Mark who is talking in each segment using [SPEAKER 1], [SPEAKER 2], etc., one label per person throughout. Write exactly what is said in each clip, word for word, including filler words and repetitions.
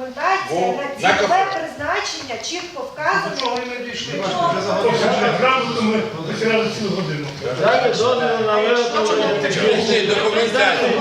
[SPEAKER 1] документація на цільове призначення чітко вказано.
[SPEAKER 2] Чого ми не дійшли?
[SPEAKER 3] Грамотно ми потеряли цілу годину.
[SPEAKER 4] Дайте дозвіл на виготовлення технічної документації.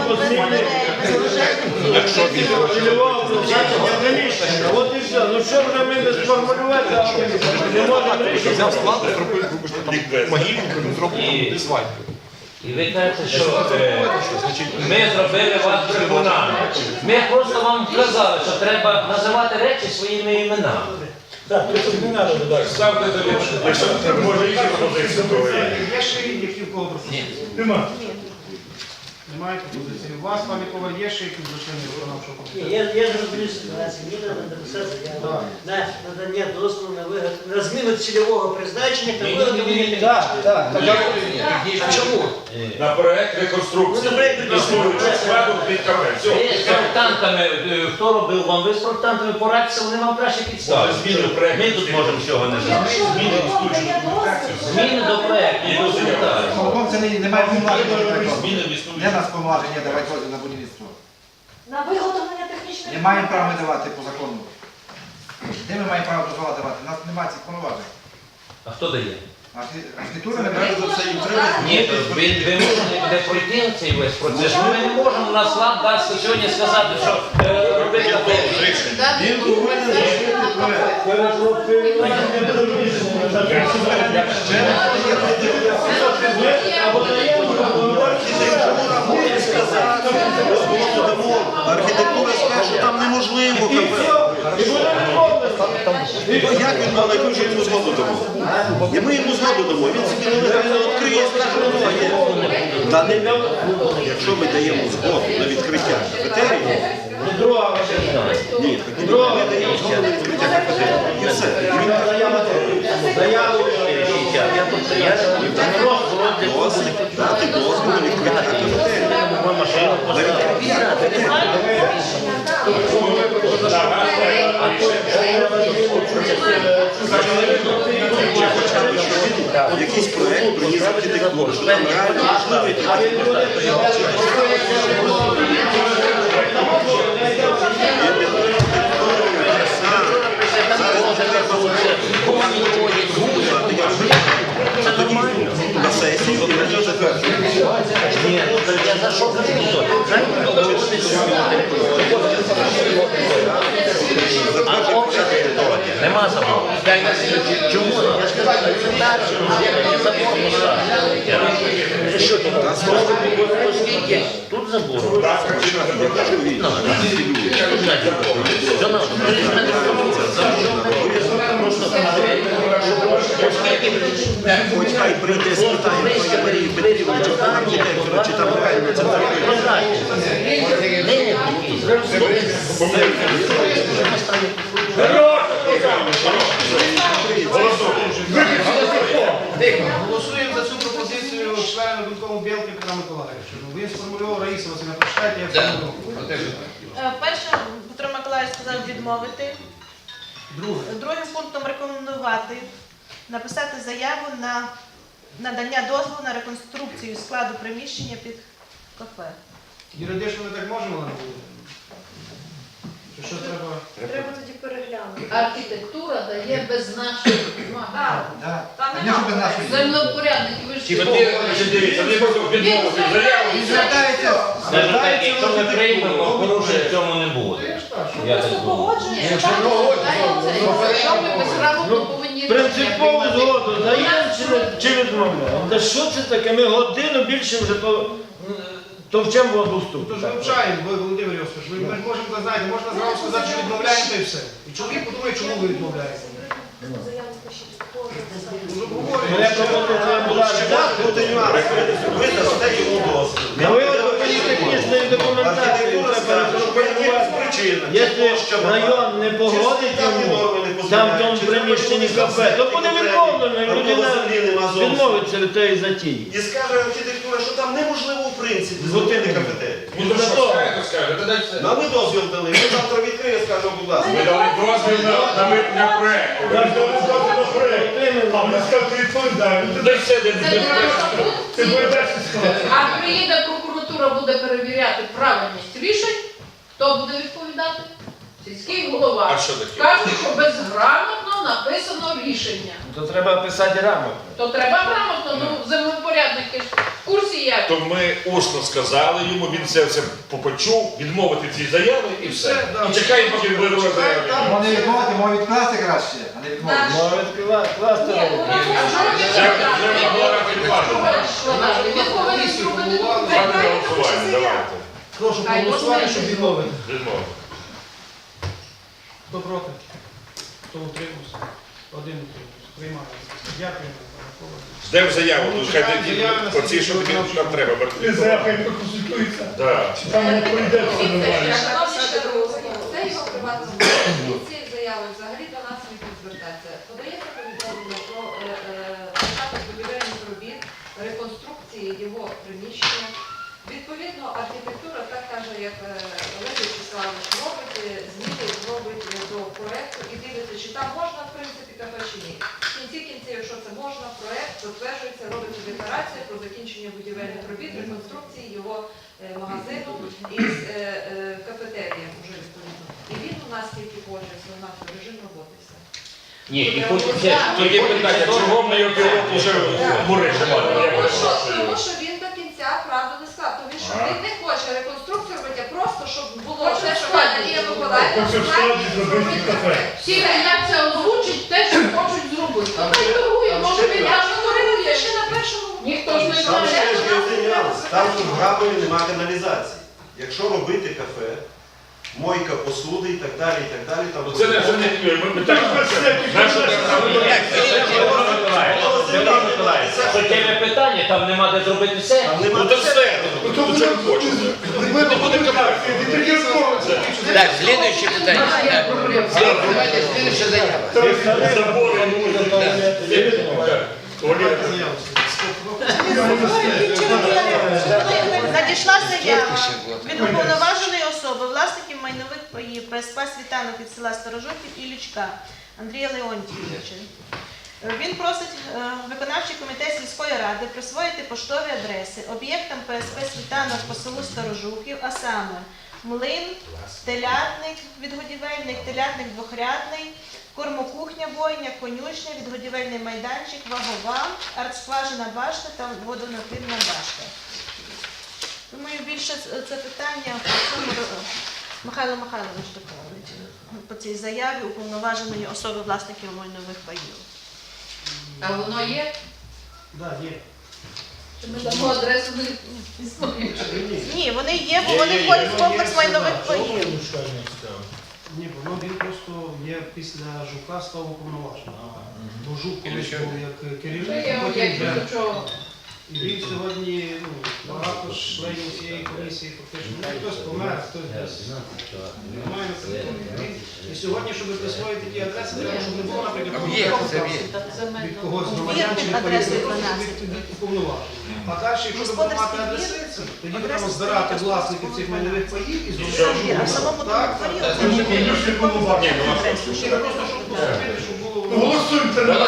[SPEAKER 5] Якщо він
[SPEAKER 4] Цільового призначення приміщення. От і все. Ну що вже ми без формулювати? Не можемо рішити.
[SPEAKER 5] взяв склад, зробив, вибачте, там могильник, він зробив свадьбу.
[SPEAKER 6] І ви кажете, що е, ми зробили вас брехунами. Ми просто вам казали, що треба називати речі своїми іменами.
[SPEAKER 3] Так, тут не треба додати.
[SPEAKER 6] Ставте до
[SPEAKER 3] Якщо може інші пропозиції, то
[SPEAKER 2] Є ще які в кого пропозиції?
[SPEAKER 3] нема.
[SPEAKER 2] Немає пропозиції. У вас, пане Коваль, є ще якісь злочинні виконавчого комітету?
[SPEAKER 7] Є, є зроблені ситуації, мені треба написати заяву на надання дозволу на виготовлення, на зміну цільового призначення та виготовлення.
[SPEAKER 4] Так, так.
[SPEAKER 7] А чому?
[SPEAKER 6] на проект реконструкції.
[SPEAKER 7] Ну, на проект реконструкції.
[SPEAKER 6] Складу під КП. Ви з проектантами, е, хто робив вам? Ви з проектантами порадьтеся, вони вам краще підстави. Ми тут можемо всього не знати.
[SPEAKER 1] Якщо виконує дозвіл,
[SPEAKER 6] Зміни до проекту, до документації.
[SPEAKER 8] Полком це не- немає повноважень.
[SPEAKER 6] Зміни в існуючі.
[SPEAKER 8] Не нас повноважень, є давати дозвіл на будівництво.
[SPEAKER 1] на виготовлення технічної
[SPEAKER 8] Не маємо права ми давати по закону. Де ми маємо право дозвола давати? У нас немає цих повноважень.
[SPEAKER 6] А хто дає?
[SPEAKER 8] Архі- Архітектура не бере за це і
[SPEAKER 6] Ні, то ви, ви можете де пройти цей весь процес. Ми не можемо, у нас лад дасть сьогодні сказати, що е, робити таке.
[SPEAKER 8] Він повинен зробити проект.
[SPEAKER 9] Архітектура скаже, що там неможливо КП. Як він має, яку ж йому згоду дамо? І ми йому згоду дамо, він собі нелегально відкриє і скаже, воно є. Та не, якщо ми даємо згоду на відкриття кафетерії,
[SPEAKER 4] Друга
[SPEAKER 9] ні, так ми даємо згоду на відкриття кафетерії. І все. І він
[SPEAKER 4] заяву.
[SPEAKER 9] дозвіл, дати дозвіл на відкриття кафетерії. На відкриття кафетерії. Чи хоча б щось, якийсь проєкт приніс архітектуру, що там реально можливий це нормально. На сесії і на цій затверджується.
[SPEAKER 6] Ні, я за що кажу? А обшити нема забору. Чому? Я ж кажу, це далі. Я забор поставлю. Що тут? Оскільки тут забор.
[SPEAKER 9] Я кажу, він.
[SPEAKER 6] Що нам?
[SPEAKER 9] Хоч хай прийде, спитає пані Марії Петрівни, чи там архітектора, чи там правильно це зробили.
[SPEAKER 2] Голосуємо за цю пропозицію члена виконкому Білки Петра Миколаївича. Він сформулював, Раїса Васильівна, прочитайте, я сформулював.
[SPEAKER 10] Е, Перше, Петро Миколаївич сказав відмовити.
[SPEAKER 2] Друге.
[SPEAKER 10] Другим пунктом рекомендувати написати заяву на надання дозволу на реконструкцію складу приміщення під кафе.
[SPEAKER 2] Юридично ми так можемо, Олена Володимирівна? Чи що треба?
[SPEAKER 1] треба тоді переглянути.
[SPEAKER 11] Архітектура дає без нашої вимоги.
[SPEAKER 8] Так, звісно, без нашої.
[SPEAKER 11] Землевпорядники, ви ж
[SPEAKER 6] Дивіться, вони просто відмовити заяву.
[SPEAKER 8] Він звертається.
[SPEAKER 6] Скажімо так, якщо ми приймемо, порушень в цьому не буде. Я так
[SPEAKER 1] Просто
[SPEAKER 6] думаю.
[SPEAKER 1] погоджуєш,
[SPEAKER 11] Якщо ми безграмотно повинні
[SPEAKER 4] Принципову згоду даємо чи, не- чи відмовляємо? Та що це таке? Ми годину більше вже то, товчемо воду в
[SPEAKER 2] Тож
[SPEAKER 4] ступу.
[SPEAKER 2] вивчаємо, ви, Володимир Йосифович, ми ми ж можемо, знаєте, можна зразу сказати, що відмовляємо, та й все. І чоловік подумає, чому ви відмовляєте.
[SPEAKER 1] заяву пишіть,
[SPEAKER 2] Дуже
[SPEAKER 4] Мене
[SPEAKER 2] обговорюємо.
[SPEAKER 4] пропозиція була
[SPEAKER 9] Буде нюанс. Ви дасте йому дозвіл.
[SPEAKER 4] на виготовлення технічної документації.
[SPEAKER 9] Архітектура
[SPEAKER 4] Треба
[SPEAKER 9] скаже, що є причина.
[SPEAKER 4] Якщо район не погодить йому, там в тому приміщенні кафе, то буде відмовлено, і людина відмовиться від тієї затії.
[SPEAKER 9] І скаже архітектура, що там неможливо в принципі зробити кафетерію.
[SPEAKER 6] Ну то що скаже, то скаже, то дай все.
[SPEAKER 9] Ну, а ми дозвіл дали, ми завтра відкриємо, скажемо, будь ласка.
[SPEAKER 3] Ми дали дозвіл на, на, на проект. Ми дали дозвіл на проект. А ми сказали, відповідаємо.
[SPEAKER 6] Дай все, де
[SPEAKER 3] Це передача склад.
[SPEAKER 11] А приїде прокуратура, буде перевіряти правильність рішень, хто буде відповідати? сільський голова.
[SPEAKER 5] А що таке?
[SPEAKER 11] Кажуть, що безграмотно написано рішення.
[SPEAKER 4] То треба писати грамотно.
[SPEAKER 11] То треба грамотно, ну землепорядники ж в курсі як.
[SPEAKER 5] То ми усно сказали йому, він це все почув, відмовити ці заяви і все. І чекаємо, поки виробить заяви.
[SPEAKER 8] Може відмовити, може відкласти краще, а не відмовити.
[SPEAKER 4] Може відкривати, класти
[SPEAKER 11] Ні,
[SPEAKER 4] робити.
[SPEAKER 11] ну, а що він
[SPEAKER 5] Вже-
[SPEAKER 11] сказав?
[SPEAKER 5] вже відмова відкладена.
[SPEAKER 11] Що далі? Він повинен зробити
[SPEAKER 5] Ставте на голосування, давайте.
[SPEAKER 2] Прошу
[SPEAKER 11] Хай
[SPEAKER 2] проголосувати,
[SPEAKER 11] можна
[SPEAKER 2] щоб
[SPEAKER 11] і
[SPEAKER 2] відмовити.
[SPEAKER 5] Відмовити.
[SPEAKER 2] Хто проти? Хто утримався? Один утримався. Приймається. Дякую.
[SPEAKER 5] Ждемо заяву, тут хай тоді оці, що тобі там треба.
[SPEAKER 3] І заявка проконсультується.
[SPEAKER 5] Да.
[SPEAKER 3] Чи там не пройде все нормально.
[SPEAKER 12] Це його приватна власність. Ці заяви взагалі до нас не звертаються. Подається повідомлення про е, е, початок будівельних робіт, реконструкції його приміщення. Відповідно, архітектура так каже, як е, Олег Вячеславович робить, е, зміни робить е, до проекту і дивиться, чи там можна, в принципі, кафе чи ні. В кінці кінців, якщо це можна, проект затверджується, робиться декларація про закінчення будівельних робіт, реконструкції його е, магазину із е, е, кафетерієм уже відповідно. І він у нас тільки погоджується, у нас режим роботи все.
[SPEAKER 6] Ні, і потім це
[SPEAKER 5] То є питання, чого ми його півроку вже в мережі мали?
[SPEAKER 12] Тому що, тому що він до кінця правду не сказав. Тому що він не хоче реконструкцію робити, а просто щоб було те, що пані Надія Миколаївна
[SPEAKER 3] Хоче в складі зробити кафе.
[SPEAKER 11] Всі як це озвучить, те, що хочуть зробити. Ну, хай торгує, може він
[SPEAKER 12] Я
[SPEAKER 11] аж
[SPEAKER 12] ж
[SPEAKER 11] торгує.
[SPEAKER 12] говорила ще на першому.
[SPEAKER 11] Ніхто ж не
[SPEAKER 9] Там
[SPEAKER 11] знає.
[SPEAKER 9] ще ж є один нюанс. Там ж в Грабові немає каналізації. Якщо робити кафе, мойка посуди і так далі, і так далі, там
[SPEAKER 5] Це не вже не ми, ми так. Наша
[SPEAKER 6] Петро Миколаївич, суттєве питання, там нема де зробити все.
[SPEAKER 9] Там
[SPEAKER 5] Ну
[SPEAKER 9] немає.
[SPEAKER 5] то все, ну то чого ви хочете?
[SPEAKER 3] Ми не будемо казати, і таке змовиться.
[SPEAKER 6] Так, слідуюче питання.
[SPEAKER 5] Давайте слідуюча заява. Забори,
[SPEAKER 10] Надійшла заява від уповноваженої особи, власників майнових паїв ПСП «Світанок» від села Сторожуків і Лючка Андрія Леонтійовича. Він просить е, виконавчий комітет сільської ради присвоїти поштові адреси об'єктам ПСП «Світанок» по селу Сторожуків, а саме млин, телятник, відгодівельник, телятник двохрядний, кормокухня, бойня, конюшня, відгодівельний майданчик, вагова, артскважина башта та водонапірна башта. Думаю, більше це питання по цьому Михайло Михайлович доповнить по цій заяві уповноваженої особи власників майнових паїв.
[SPEAKER 11] А воно є?
[SPEAKER 2] Так, є.
[SPEAKER 11] Чи ми дамо адресу не існує?
[SPEAKER 10] Ні, вони є, бо вони входять в комплекс майнових паїв.
[SPEAKER 2] Ні, воно він просто є після Жука став уповноваженим. Бо Жук колись був як
[SPEAKER 11] Це
[SPEAKER 2] керівник,
[SPEAKER 11] є
[SPEAKER 2] потім
[SPEAKER 11] об'єкт
[SPEAKER 2] вже.
[SPEAKER 11] до чого?
[SPEAKER 2] І він сьогодні, ну, багато членів цієї комісії фактично, ну, хтось помер, хтось десь немає на території. І сьогодні, щоб присвоїти ті адреси, треба, щоб не було, наприклад, від когось з громадян чи від
[SPEAKER 10] адресою
[SPEAKER 2] від- від- від уповноважених. А далі, якщо ви будете мати
[SPEAKER 10] Господарський
[SPEAKER 2] адреси,
[SPEAKER 10] двір,
[SPEAKER 2] тоді будемо
[SPEAKER 10] адреса
[SPEAKER 2] збирати
[SPEAKER 10] стоїть,
[SPEAKER 2] власників цих
[SPEAKER 10] господарський
[SPEAKER 2] майнових паїв і
[SPEAKER 10] Двір,
[SPEAKER 2] зробити.
[SPEAKER 10] а в самому тому
[SPEAKER 2] Так,
[SPEAKER 10] дворі
[SPEAKER 2] так.
[SPEAKER 10] оце ж
[SPEAKER 3] Конюшні було бачити.
[SPEAKER 2] Ні, ви просто щоб поступити, щоб було.
[SPEAKER 3] Голосуйте на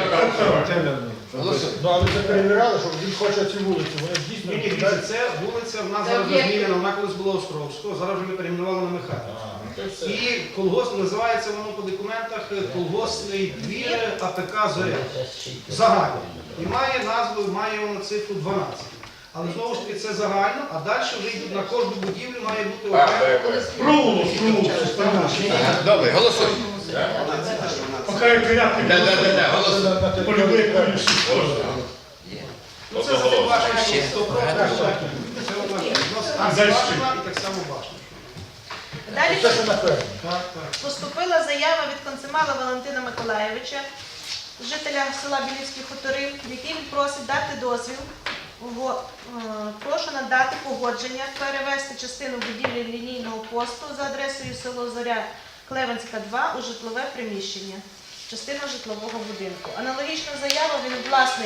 [SPEAKER 13] Ну, але ви перевіряли, що він хоче цю вулицю. Вони дійсно
[SPEAKER 2] Ні, ні, дивіться, це вулиця в нас
[SPEAKER 11] Це
[SPEAKER 2] зараз
[SPEAKER 11] об'єкт.
[SPEAKER 2] змінена, вона колись була Островського, зараз вже ми перейменували на Михайлівську. І колгосп називається воно по документах колгоспний двір АПК Зоря. Загально. І має назву, має воно цифру дванадцять. Але знову ж таки це загально, а далі вже йдуть на кожну будівлю має бути окремо.
[SPEAKER 3] провулок, провулок.
[SPEAKER 5] Добре, голосуй.
[SPEAKER 3] Поки я порядки полюбив конюшні.
[SPEAKER 2] Ну це за башня сто процентів. Це одна башня і так само башня.
[SPEAKER 10] Далі
[SPEAKER 13] Це ще наперед.
[SPEAKER 2] Так, так.
[SPEAKER 10] поступила заява від Концемала Валентина Миколайовича, жителя села Білівські хутори, в якій він просить дати дозвіл. Во- е, Прошу надати погодження перевести частину будівлі лінійного посту за адресою село Зоря Клевенська, два у житлове приміщення. Частина житлового будинку. Аналогічна заява, він власник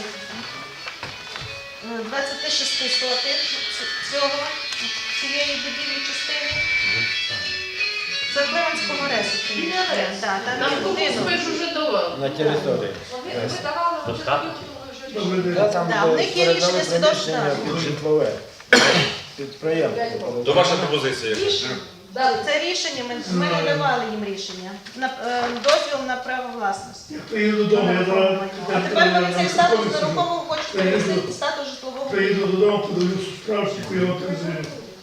[SPEAKER 10] е, двадцять шість сотих цього, цієї будівлі частини. Це Клевенського ресу приміщення. Да, там
[SPEAKER 11] Нам
[SPEAKER 10] є
[SPEAKER 11] комусь
[SPEAKER 10] будинок.
[SPEAKER 11] ми ж уже давали.
[SPEAKER 4] На території.
[SPEAKER 12] Ви ви давали вже тоді, вже
[SPEAKER 4] Та там
[SPEAKER 10] Да, в них є
[SPEAKER 4] передали
[SPEAKER 10] рішення свідоцтва.
[SPEAKER 4] приміщення під житлове підприємство.
[SPEAKER 5] То ваша пропозиція яка?
[SPEAKER 12] Дали.
[SPEAKER 10] Це рішення, ми, ми не давали їм рішення. На, е, дозвіл на право власності.
[SPEAKER 3] Я приїду додому, я зараз...
[SPEAKER 10] А тепер вони цей статус нерухомого хочуть перевести в статус житлового.
[SPEAKER 3] Приїду додому, подивлюся справочку, я отримую.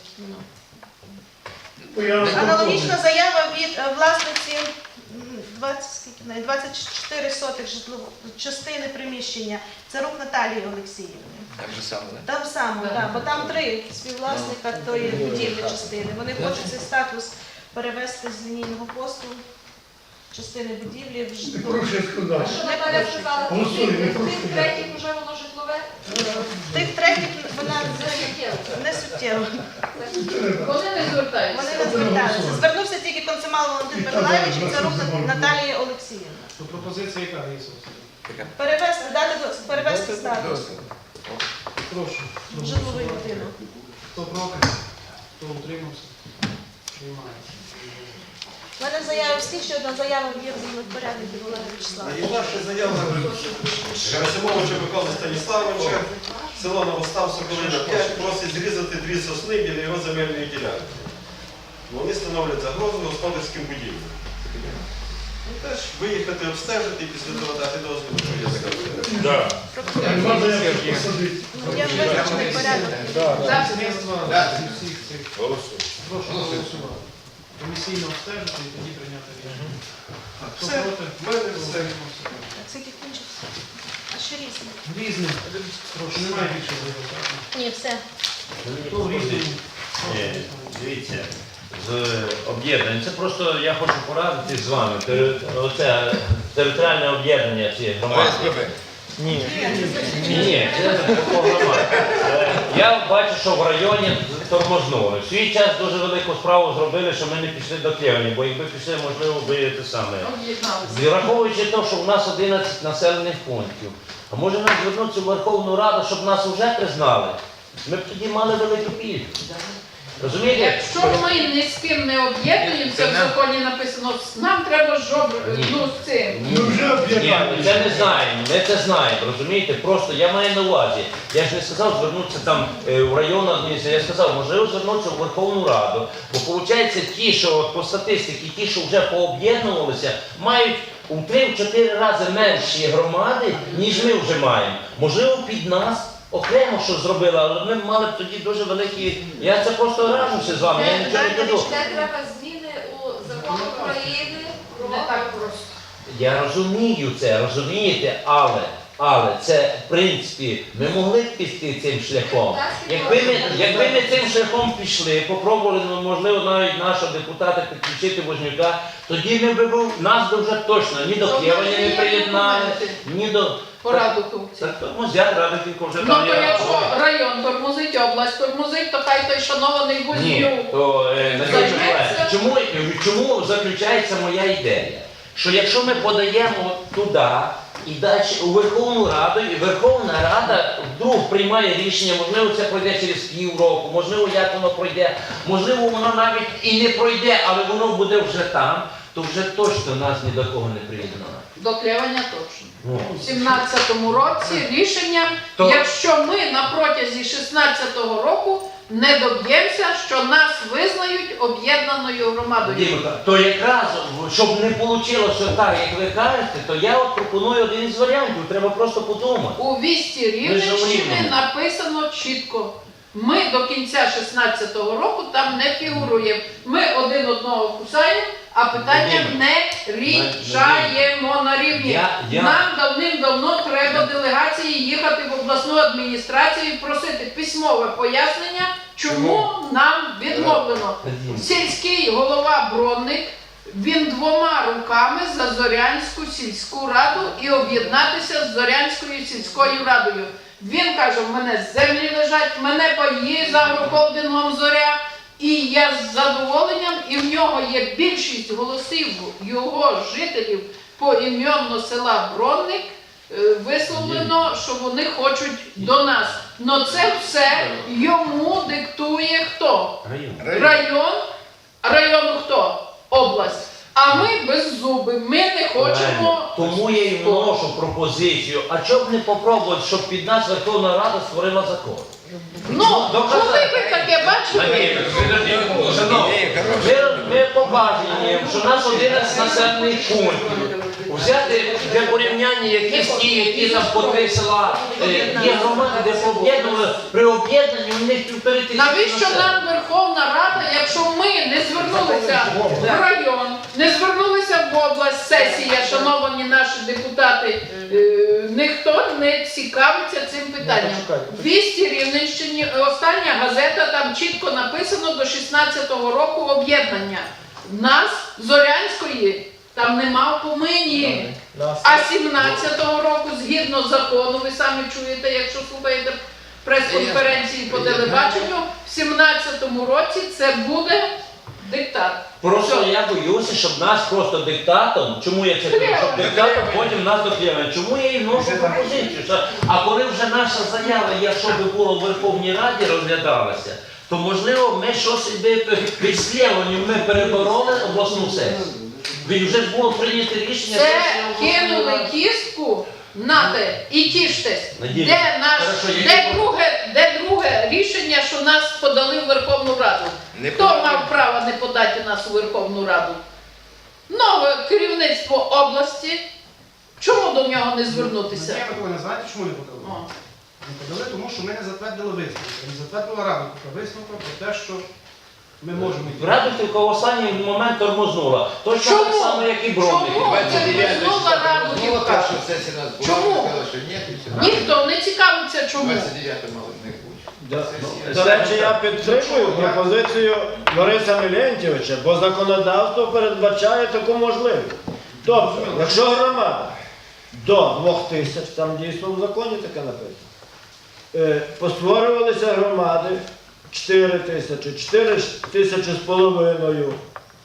[SPEAKER 10] Аналогічна заява від е, власниці м, двадцять, скільки в неї, двадцять чотири сотих житлової частини приміщення. Це рук Наталії Олексіївни.
[SPEAKER 6] Так же само, да?
[SPEAKER 10] Там само, так, бо там три співвласника тої будівлі частини. Вони хочуть цей статус перевести з лінійного посту частини будівлі в житлову.
[SPEAKER 3] Прошу сказати.
[SPEAKER 12] Що Наталя сказала,
[SPEAKER 3] Голосуй, не
[SPEAKER 12] тих
[SPEAKER 3] прошу.
[SPEAKER 12] третіх вже воно житлове?
[SPEAKER 10] Тих третіх вона не суттєво.
[SPEAKER 11] Вони не звертаються.
[SPEAKER 10] Вони не зверталися. Звернувся тільки консумал Валентин Миколаївич і це рук Наталії Олексіївна.
[SPEAKER 2] То пропозиція яка є?
[SPEAKER 10] Перевести, дати до- перевести статус
[SPEAKER 2] Прошу.
[SPEAKER 10] в житловий будинок.
[SPEAKER 2] Хто проти? Хто утримався? Приймає.
[SPEAKER 10] У мене заяви всі, ще одна заява є в землевпоряднику Валерія Вячеславовича.
[SPEAKER 9] І наша заява Герасимовича Миколи Станіславовича, село Новостав, Соколина п'ять, просить зрізати дві сосни біля його земельної ділянки. Вони становлять загрозу господарським будівлям. Ну, теж виїхати, обстежити і після того дати дозвіл, що є така.
[SPEAKER 5] Да.
[SPEAKER 3] Нема заявки посадити.
[SPEAKER 10] Ну, я визначений порядок.
[SPEAKER 2] Всіх цих.
[SPEAKER 5] Голосуй.
[SPEAKER 2] Прошу голосувати. Комісійно обстежити і тоді прийняти рішення. Хто
[SPEAKER 9] Все,
[SPEAKER 2] проти?
[SPEAKER 9] в мене все.
[SPEAKER 10] Так, скільки кінчився? А ще різні?
[SPEAKER 2] Різне. Прошу, немає більше заявок, так?
[SPEAKER 10] Ні, все.
[SPEAKER 2] Хто в різному?
[SPEAKER 6] Ні, дивіться, з об'єднань. Це просто я хочу порадити з вами. Тери- Оце територіальне об'єднання цієї громади. Ні, ні, ні, це по громаді. Е, Я бачу, що в районі тормознули. В свій час дуже велику справу зробили, що ми не пішли до Клевені, бо якби пішли, можливо, би те саме.
[SPEAKER 11] Об'єдналися.
[SPEAKER 6] Враховуючи те, що в нас одинадцять населених пунктів, а може нам звернутися в Верховну Раду, щоб нас вже признали? Ми б тоді мали велику кількість. Розумієте?
[SPEAKER 11] Якщо ми ні з ким не об'єднуємося, в законі написано, нам треба жоб... ну, з цим.
[SPEAKER 3] Ми вже
[SPEAKER 6] Ні,
[SPEAKER 3] об'єднали.
[SPEAKER 6] ми це не знаємо, ми це знаємо, розумієте? Просто я маю на увазі. Я ж не сказав звернутися там е, в районну адміністрацію, я сказав, можливо звернутися в Верховну Раду. Бо виходить, ті, що от, по статистиці, ті, що вже пооб'єднувалися, мають у три-чотири рази менші громади, ніж ми вже маємо. Можливо, під нас окремо що зробили, але ми мали б тоді дуже великі... Я це просто раджуся з вами, я нічого не кажу.
[SPEAKER 12] Де треба зміни у закон України про...
[SPEAKER 11] Не так просто.
[SPEAKER 6] Я розумію це, розумієте, але, але це, в принципі, ми могли б піти цим шляхом. Якби ми, якби ми цим шляхом пішли, попробували, ну, можливо, навіть нашого депутата підключити Вознюка, тоді ми б був, нас би вже точно ні до Києва не приєднали, ні до...
[SPEAKER 11] Пораду хлопці.
[SPEAKER 6] Так, тормозять, Радиківка вже
[SPEAKER 11] Ну,
[SPEAKER 6] там
[SPEAKER 11] то
[SPEAKER 6] є.
[SPEAKER 11] якщо район тормозить, область тормозить, то хай той шанований
[SPEAKER 6] Ні,
[SPEAKER 11] Вознюк.
[SPEAKER 6] то е, Надія
[SPEAKER 11] Займеться.
[SPEAKER 6] Миколаївна, чому, чому заключається моя ідея? Що якщо ми подаємо туди і далі у Верховну Раду, і Верховна Рада вдруг приймає рішення, можливо, це пройде через півроку, можливо, як воно пройде, можливо, воно навіть і не пройде, але воно буде вже там, то вже точно нас ні до кого не приєднає.
[SPEAKER 11] До Клеваня точно.
[SPEAKER 6] Ну.
[SPEAKER 11] У сімнадцятому році рішення,
[SPEAKER 6] То-
[SPEAKER 11] якщо ми на протязі шістнадцятого року не доб'ємося, що нас визнають об'єднаною громадою.
[SPEAKER 6] Дімка, то якраз, щоб не вийшло так, як ви кажете, то я от пропоную один із варіантів, треба просто подумати.
[SPEAKER 11] У вісті
[SPEAKER 6] Ми ж
[SPEAKER 11] Рівненщини
[SPEAKER 6] рівними.
[SPEAKER 11] написано чітко. Ми до кінця шістнадцятого року там не фігуруємо. Ми один одного кусаємо, а питання
[SPEAKER 6] Вадиме,
[SPEAKER 11] не рішаємо на рівні.
[SPEAKER 6] Я- я-
[SPEAKER 11] Нам давним-давно треба делегації їхати в обласну адміністрацію і просити письмове пояснення, чому нам відмовлено.
[SPEAKER 6] Вадиме.
[SPEAKER 11] Сільський голова Бронник, він двома руками за Зорянську сільську раду і об'єднатися з Зорянською сільською радою. Він каже, в мене землі лежать, в мене паї за агрохолдингом Зоря, і я з задоволенням, і в нього є більшість голосів його жителів поіменно села Бронник, е, висловлено, що вони хочуть до нас. Но це все йому диктує хто?
[SPEAKER 6] Район.
[SPEAKER 11] Район. А району хто? Область. А ми беззуби, ми не хочемо.
[SPEAKER 6] Тому я і вношу пропозицію, а чому б не попробувати, щоб під нас Верховна Рада створила закон?
[SPEAKER 11] Ну, коли ви таке бачили?
[SPEAKER 6] Ми, ми побачимо, що у нас одинадцять населених пунктів. Взяти для порівняння якісь ті, які там по три села е, є громади, де пооб'єднували, при об'єднанні у них півтори тисячі.
[SPEAKER 11] Навіщо нам Верховна Рада, якщо ми не звернулися в район, не звернулися в область, сесія, шановані наші депутати, е, ніхто не цікавиться цим питанням. Вісті Рівненщині, остання газета, там чітко написано до шістнадцятого року об'єднання. Нас, Зорянської, там нема в помині. А сімнадцятого року, згідно закону, ви самі чуєте, якщо слухаєте прес-конференції по телебаченню, в сімнадцятому році це буде диктат.
[SPEAKER 6] Просто я боюся, щоб нас просто диктатом, чому я це кажу, щоб диктатом потім нас доклеювали. Чому я і вношу пропозицію? Що, а коли вже наша заява, якщо би було в Верховній Раді розглядалася, то можливо ми щось під слєванням ми перебороли обласну сесію. Ведь вже ж було прийнято рішення.
[SPEAKER 11] Це кинули кістку, нате і тіштесь. Де, наш, де, друге, де друге рішення, що нас подали в Верховну Раду? Хто мав право не подати нас у Верховну Раду? Нове керівництво області. Чому до нього не звернутися?
[SPEAKER 2] Надія Миколаївна, знаєте, чому не подали? Не подали, тому що ми не затвердили висновку. Не затвердила Рада висновку про те, що ми можемо йти.
[SPEAKER 6] Радухівка в останній момент тормознула. Точно так само, як і Бровники.
[SPEAKER 11] Чому тормознула Радухівка? Чому? Ніхто не цікавиться, чому.
[SPEAKER 4] До речі, я підтримую пропозицію Бориса Мелентьовича, бо законодавство передбачає таку можливість. Тобто, якщо громада до двох тисяч, там дійсно в законі таке написано, е, постворювалися громади чотири тисячі, чотири тисячі з половиною.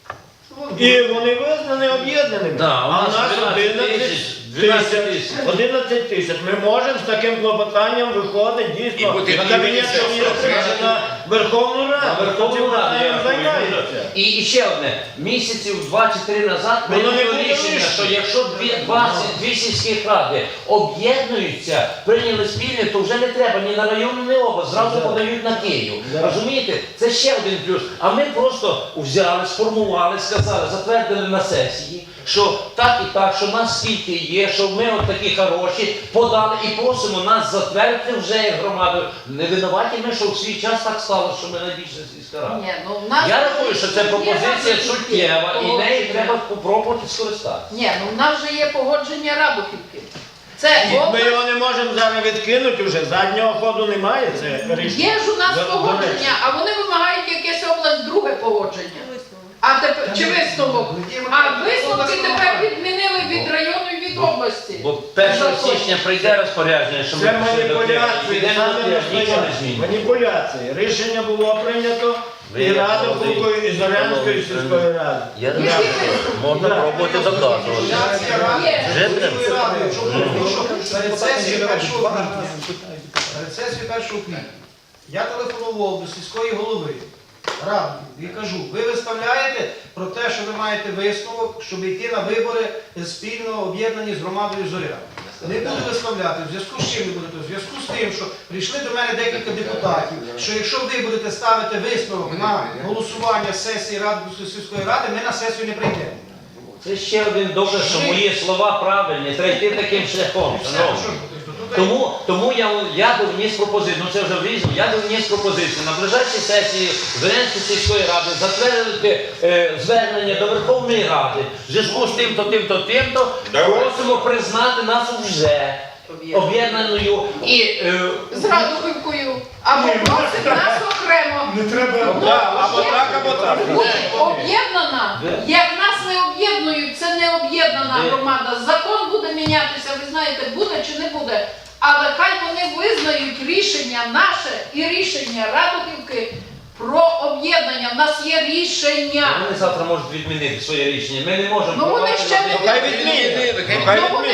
[SPEAKER 4] І вони визнані об'єднаними.
[SPEAKER 6] Да,
[SPEAKER 4] а у нас одинадцять тисяч. одинадцять тисяч. Ми можемо з таким клопотанням виходити дійсно на Кабінет Міністрів на Верховну Раду.
[SPEAKER 6] На Верховну Раду, я рахую.
[SPEAKER 4] займається.
[SPEAKER 6] І, і ще одне, місяців два чи три назад
[SPEAKER 4] Воно не
[SPEAKER 6] прийнято
[SPEAKER 4] було
[SPEAKER 6] рішення,
[SPEAKER 4] рішення.
[SPEAKER 6] що якщо дві, двадцять дві сільських ради об'єднуються, прийняли спільне, то вже не треба ні на район, ні на область, зразу подають на Київ. Розумієте? Це ще один плюс. А ми просто взяли, сформували, сказали, затвердили на сесії, що так і так, що нас скільки є, що ми от такі хороші, подали і просимо нас затвердити вже як громаду. Не винуваті ми, що в свій час так стало, що ми найбільше сільська рада.
[SPEAKER 11] Ні, ну, в нас
[SPEAKER 6] Я рахую, що це
[SPEAKER 11] є
[SPEAKER 6] пропозиція
[SPEAKER 11] Радухівки
[SPEAKER 6] суттєва і нею
[SPEAKER 11] погодження.
[SPEAKER 6] треба спробувати скористатися.
[SPEAKER 11] Ні, ну в нас вже є погодження Радухівки. Це
[SPEAKER 4] Ми
[SPEAKER 11] область.
[SPEAKER 4] його не можемо зараз відкинути вже, заднього ходу немає. Це рішення.
[SPEAKER 11] Є ж у нас
[SPEAKER 4] До- до речі.
[SPEAKER 11] погодження, а вони вимагають якесь область друге погодження. А тепер чи висновок? А висновки тепер відмінили від району і від області.
[SPEAKER 6] Бо першого січня прийде розпорядження, що ми
[SPEAKER 4] Це
[SPEAKER 6] пішли до Києва, і
[SPEAKER 4] маніпуляції,
[SPEAKER 6] підемо
[SPEAKER 4] саме
[SPEAKER 6] до Києва, нічого не
[SPEAKER 4] настоящі.
[SPEAKER 6] зміниться.
[SPEAKER 4] Маніпуляції. Рішення було прийнято
[SPEAKER 6] Ви
[SPEAKER 4] і
[SPEAKER 6] як
[SPEAKER 4] Радухівкою,
[SPEAKER 6] молодий,
[SPEAKER 4] і Зорянською
[SPEAKER 6] шановний
[SPEAKER 4] сільської ради.
[SPEAKER 6] Я не знаю, можна пробувати доказувати. Вже треба.
[SPEAKER 2] Перед сесією першого квітня, перед сесією першого квітня я телефонував до сільської голови ради і кажу, ви виставляєте про те, що ви маєте висновок, щоб йти на вибори спільно об'єднані з громадою Зоря. Не буду виставляти. В зв'язку з чим не будете? В зв'язку з тим, що прийшли до мене декілька депутатів, що якщо ви будете ставити висновок на голосування сесії Ради сільської ради, ми на сесію не прийдемо.
[SPEAKER 6] Це ще один доказ, що мої слова правильні, треба йти таким шляхом. шановні. Тому, тому я, я би вніс пропозицію, ну це вже врізно, я би вніс пропозицію на ближайшій сесії Зорянської сільської ради затвердити е, звернення до Верховної Ради в зв'язку з тим-то, тим-то, тим-то, просимо признати нас вже об'єднаною і е,
[SPEAKER 11] З Радухівкою. Або просить нас окремо.
[SPEAKER 3] Не треба.
[SPEAKER 11] Ну,
[SPEAKER 3] Або так, або так.
[SPEAKER 11] Буде об'єднана. Як нас не об'єднують, це не об'єднана громада. Закон буде мінятися, ви знаєте, буде чи не буде. Але хай вони визнають рішення наше і рішення Радухівки про об'єднання. У нас є рішення.
[SPEAKER 6] вони завтра можуть відмінити своє рішення. Ми не можемо.
[SPEAKER 11] Ну вони
[SPEAKER 6] впливати
[SPEAKER 11] ще
[SPEAKER 6] на
[SPEAKER 11] не
[SPEAKER 6] те,
[SPEAKER 4] Хай відмінять. Хай відмінять.